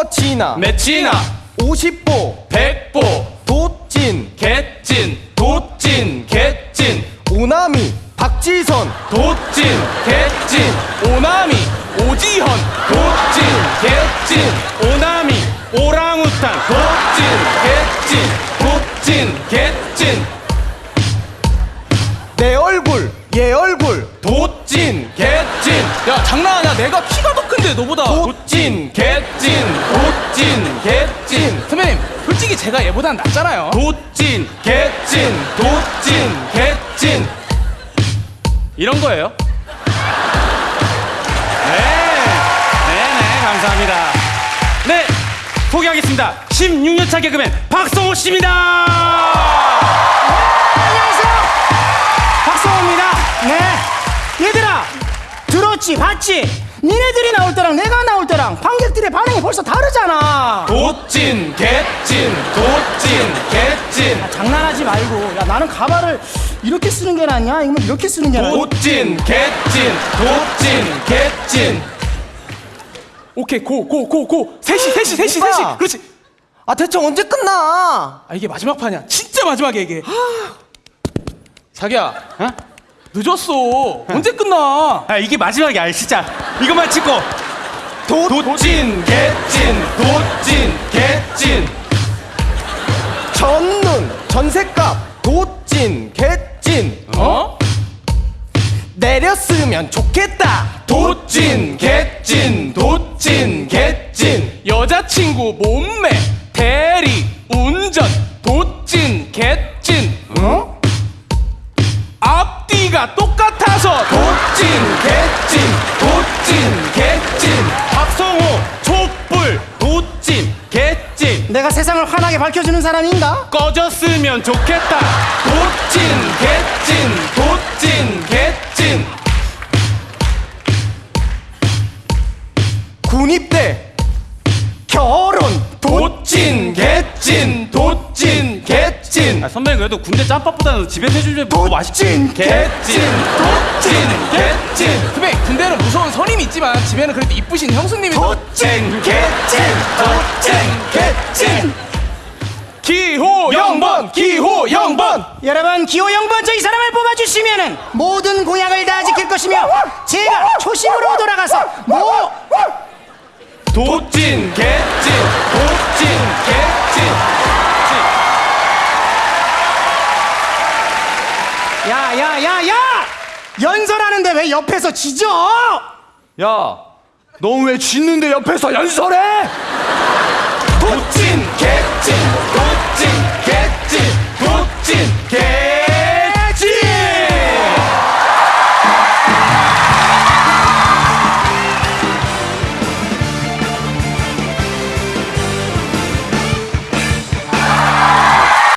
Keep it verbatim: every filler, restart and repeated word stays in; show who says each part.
Speaker 1: 어치나
Speaker 2: 맺히나
Speaker 1: 오십보
Speaker 2: 백보
Speaker 1: 도찐
Speaker 2: 개찐 도찐 개찐
Speaker 1: 오나미 박지선
Speaker 2: 도찐 개찐 오나미 오지현 도찐 개찐 오나미 오랑우탄 도찐 개찐 도찐 개찐
Speaker 1: 내 얼굴 얘 얼굴
Speaker 2: 도찐 개찐
Speaker 3: 야 장난하냐? 내가 키가 더 큰데 너보다.
Speaker 2: 도찐 개찐 도찐 개찐
Speaker 3: 선배님 솔직히 제가 얘보단 낫잖아요.
Speaker 2: 도찐 개찐 도찐 개찐 이런 거예요. 네, 네네 감사합니다. 네 소개하겠습니다. 십육 년차 개그맨 박성호 씨입니다.
Speaker 4: 안녕하세요. 박성호입니다. 네. 얘들아, 들었지? 봤지? 니네들이 나올 때랑 내가 나올 때랑 관객들의 반응이 벌써 다르잖아.
Speaker 2: 도찐 개찐 도찐 개찐
Speaker 4: 아, 장난하지 말고. 야, 나는 가발을 이렇게 쓰는 게 낫냐? 아니면 이렇게 쓰는 게 낫냐?
Speaker 2: 도찐 개찐 도찐 개찐
Speaker 3: 오케이 고 고 고 고. 셋이 셋이 셋이
Speaker 1: 오빠.
Speaker 3: 셋이. 그렇지.
Speaker 1: 아 대체 언제 끝나?
Speaker 3: 아 이게 마지막 판이야. 진짜 마지막이야 이게. 자기야. 어? 늦었어. 언제 끝나?
Speaker 2: 아 이게 마지막이야 진짜 이것만 찍고 도, 도찐 개찐 도찐 개찐
Speaker 1: 전눈 전셋값 도찐 개찐
Speaker 3: 어?
Speaker 1: 내렸으면 좋겠다.
Speaker 2: 도찐 개찐 도찐 개찐
Speaker 3: 여자친구 몸매 대리 운전 도찐 개찐.
Speaker 1: 어?
Speaker 3: 앞뒤가 똑같아서
Speaker 2: 도찐 개찐 도찐 개찐 박성호 촛불 도찐 개찐
Speaker 4: 내가 세상을 환하게 밝혀주는 사람인가?
Speaker 2: 꺼졌으면 좋겠다 도찐 개찐 도찐 개찐
Speaker 1: 군입대 결혼
Speaker 2: 도찐 개찐 도찐 개찐 아, 선배님 그래도 군대 짬밥보다는 집에서 해준 게 더 맛있지 개찐 도찐 개찐
Speaker 3: 선배 군대는 무서운 선임이 있지만 집에는 그래도 이쁘신 형수님이
Speaker 2: 도찐 개찐 도찐 개찐
Speaker 3: 기호 영번 기호 영번.
Speaker 4: 여러분, 기호 영번 저 이 사람을 뽑아주시면은 모든 공약을 다 지킬 것이며 제가 초심으로 돌아가서 뭐
Speaker 2: 도찐 개찐 도찐 개찐
Speaker 4: 야, 야, 야, 야! 연설하는데 왜 옆에서 지져?
Speaker 1: 야, 넌 왜 짖는데 옆에서 연설해?
Speaker 2: 도찐 개찐